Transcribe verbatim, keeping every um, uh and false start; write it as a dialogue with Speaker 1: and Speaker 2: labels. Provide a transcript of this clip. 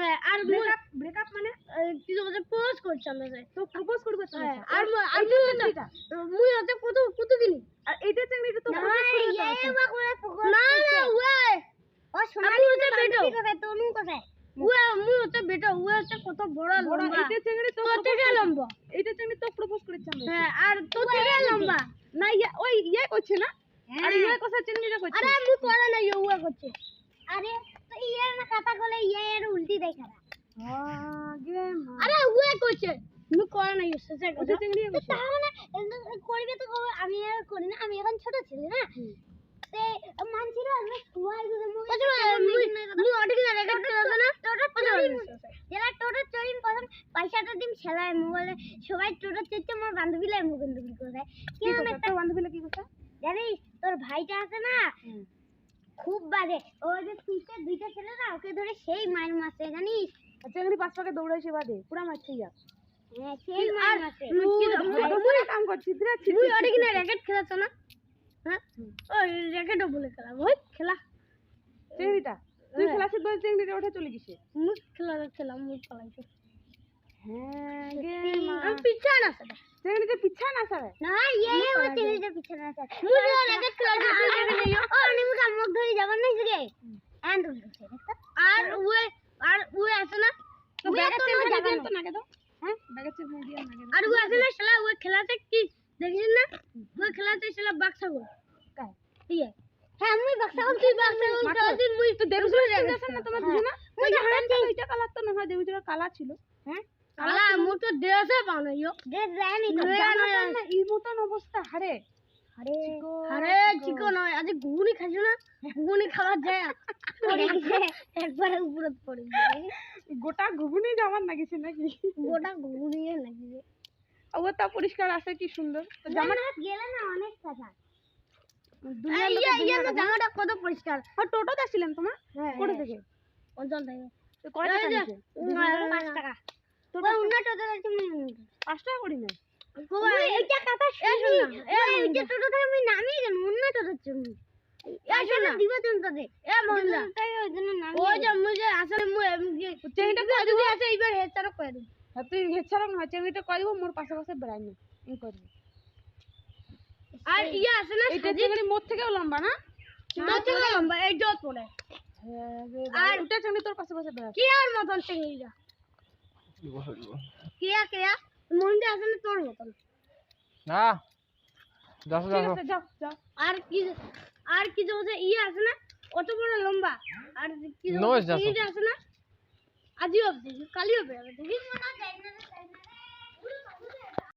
Speaker 1: হ্যাঁ আর breakup breakup মানে কি বলছে প্রপোজ করছে আমাদের তো প্রপোজ করবে তো আর আর মুই হতে কত কত দিন আর এইটা চিংড়িটা তো প্রপোজ করবে না না ওই ও সোনালি হতে বেটো কোথায় তনু কোথায় ওই মুই হতে বেটো ওই হতে কত বড় লম্বা এইটা চিংড়ি তো থেকে লম্বা এইটা চিংড়ি তো প্রপোজ করেছে আমরা হ্যাঁ আর তো থেকে লম্বা না ওই ইয়ে করছে না আরে ইয়ে কোসা চিংড়িটা করছে আরে মুই করে না ইয়ে করছে আরে তো ইয়ে না কথা বলে ইয়ে এর উল্টি দেখা হ্যাঁ গে আরে ওয়ে করছে মুই করে না ইয়ে সেটা কথা চিংড়ি করছে তাহলে করবে তো আমি আর করি না আমি এখন ছোট ছেলে না তে মানছিরা আমি ওয়াই গুলো মুই মুই অডিক না রেকর্ড করছ না টোটো যারা টোটো চড়িন প্রথম পয়সাটা দিম ছেলায় মোবাইলে সবাই টোটো চেতে মোর বান্ধবী লাই মুখ বন্ধ করে কি আমি একটা বান্ধবী কি কথা জানিস তোর ভাইটা আছে না খুব বাজে ওই যে পিছে দুইটা ছেলে না ওকে ধরে সেই মার মারছে জানিস চিংড়ি পাঁচ পাকে দৌড়াইছে বাদে পুরা মারছে ইয়া হ্যাঁ সেই মার মারছে মুই কাম করছি ধরে মুই অডিক না রেকর্ড খেলাছ না হ্যাঁ ওই রেকর্ডও বলে খেলা ওই খেলা চিংড়িটা তুই খেলাছিস বল চিংড়িটা ওঠে চলে গেছে মুই খেলা খেলাম মুই পালাইছে হ্যাঁ গে আমি পিছা না সবে চিংড়িটা পিছা না সবে না এই ওই চিংড়িটা পিছা না সবে মুই রেকর্ড খেলাছি ও নিমু কাম মুখ ধরে যাবার নাই সগে এন্ড আর ওই আর ওই আছে না ওই তো জায়গা তো নাগে দাও হ্যাঁ ব্যাগে চেক দিয়ে নাগে আর ওই আছে না শালা ওই খেলাতে কি দেখিস না ওই খেলাতে শালা বাক্সাগো কাই ইয়ে হ্যাঁ মুই বাক্সাগো তুই বাক্সাগো দিন মুই তো দেবুজুর দেখছ না তোমার বুঝো না ওই যে হারাম ওইটা কালার তো না হয় দেবুজুর কালা ছিল হ্যাঁ কালা মু তো দেশে বানাইও দে জানি তো না এই মতন অবস্থা হারে আরে আরে চিকন নয় আজ ঘুগনি খাইছো না ঘুগনি খাওয়া যায় একবার উপরে পড়ে গোটা ঘুগনি যাবার লাগিছে নাকি গোটা ঘুগনি লাগিছে ওটা পরিষ্কার আছে কি সুন্দর তো জামাটা গেলে না অনেক কথা দুনিয়া ইয়া ইয়া জামাটা কত পরিষ্কার আর টোটোতে আসছিলাম তোমার কোথা থেকে অঞ্চল থেকে তো কয় টাকা নিছে পাঁচ টাকা তোরা অন্য টোটো যাচ্ছে পাঁচ টাকা করি না এইটা কথা শেষ না এই যে টোটো থেকে আমি নামি কেন অন্য টোটো চড়ি আসলে দিবা তুমি তাতে এ মহিলা তাই ওই জন্য নামি ওই যে মুই আসলে মুই চেংটা কই যদি আছে এইবার হেচারক কই দিই হ্যাঁ তুই হেচারক না চেংটা কই দিব মোর পাশে পাশে বেড়াই না ই করবি আর ইয়া আছে না এটা চেংড়ি মোর থেকেও লম্বা না মোর থেকে লম্বা এই জল পড়ে আর ওটা চেংড়ি তোর পাশে পাশে বেড়ায় কি আর মতন চেংড়িটা কিয়া কিয়া মন্ডে আছে না তোর মতন
Speaker 2: না যাও যাও
Speaker 1: যাও যাও আর কি আর কি যে ইয়ে আছে না অত বড় লম্বা আর কি যে আছে না আজিও দেখি কালিও বেরোবে দেখি না যাই না যাই না